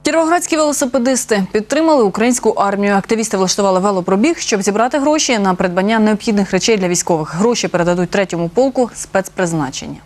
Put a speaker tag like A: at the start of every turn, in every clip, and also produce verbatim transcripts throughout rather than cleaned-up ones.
A: Кіровоградські велосипедисти підтримали українську армію. Активісти влаштували велопробіг, щоб зібрати гроші на придбання необхідних речей для військових. Гроші передадуть третьому полку спецпризначення.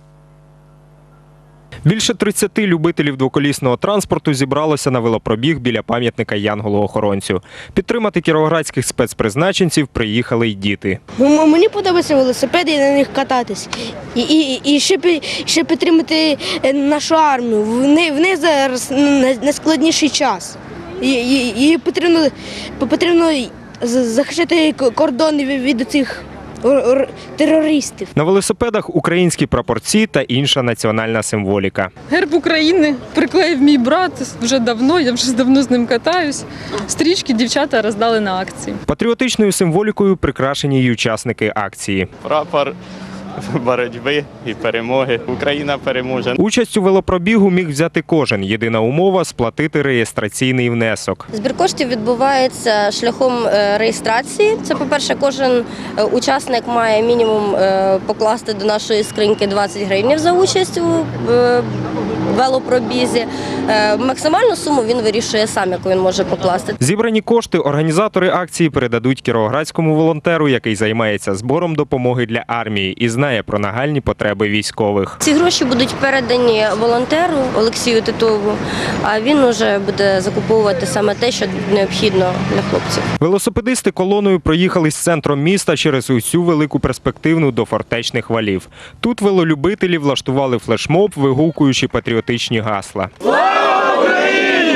B: Більше тридцяти любителів двоколісного транспорту зібралося на велопробіг біля пам'ятника Янголу-охоронцю. Підтримати кіровоградських спецпризначенців приїхали й діти.
C: Мені подобаються велосипеди і на них кататись. І, і, і ще, ще підтримати нашу армію. В неї, в неї зараз найскладніший час. І, і, і потрібно, потрібно захищати кордони від цих терористів.
B: На велосипедах українські прапорці та інша національна символіка.
D: Герб України приклеїв мій брат вже давно, я вже давно з ним катаюсь. Стрічки дівчата роздали на акції.
B: Патріотичною символікою прикрашені й учасники акції.
E: Прапор боротьби і перемоги. Україна переможе.
B: Участь у велопробігу міг взяти кожен. Єдина умова – сплатити реєстраційний внесок.
F: Збір коштів відбувається шляхом реєстрації. Це, по-перше, кожен учасник має мінімум покласти до нашої скриньки двадцять гривень за участь у велопробізі. Максимальну суму він вирішує сам, яку він може покласти.
B: Зібрані кошти організатори акції передадуть кіровоградському волонтеру, який займається збором допомоги для армії і знає про нагальні потреби військових.
F: Ці гроші будуть передані волонтеру Олексію Титову, а він уже буде закуповувати саме те, що необхідно для хлопців.
B: Велосипедисти колоною проїхали з центром міста через усю велику перспективну до фортечних валів. Тут велолюбителі влаштували флешмоб, вигукуючи патріотичні гасла.
G: Слава Україні!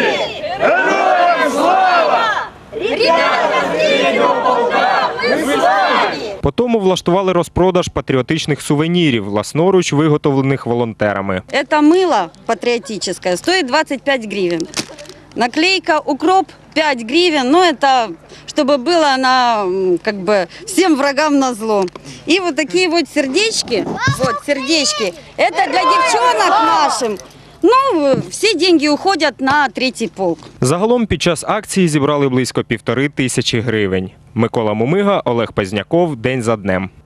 G: Героям слава! Ребята з третього полка! Ми славі!
B: Потім влаштували розпродаж патріотичних сувенірів, власноруч виготовлених волонтерами.
H: Це мило патріотичне, стоїть двадцять п'ять гривень. Наклейка «Укроп» пять гривен, но это чтобы было на, как бы, всем врагам назло. И вот такие вот сердечки, вот сердечки, это для девчонок нашим. Ну, всі деньги уходять на третій полк.
B: Загалом під час акції зібрали близько півтори тисячі гривень. Микола Мумига, Олег Пазняков. День за днем.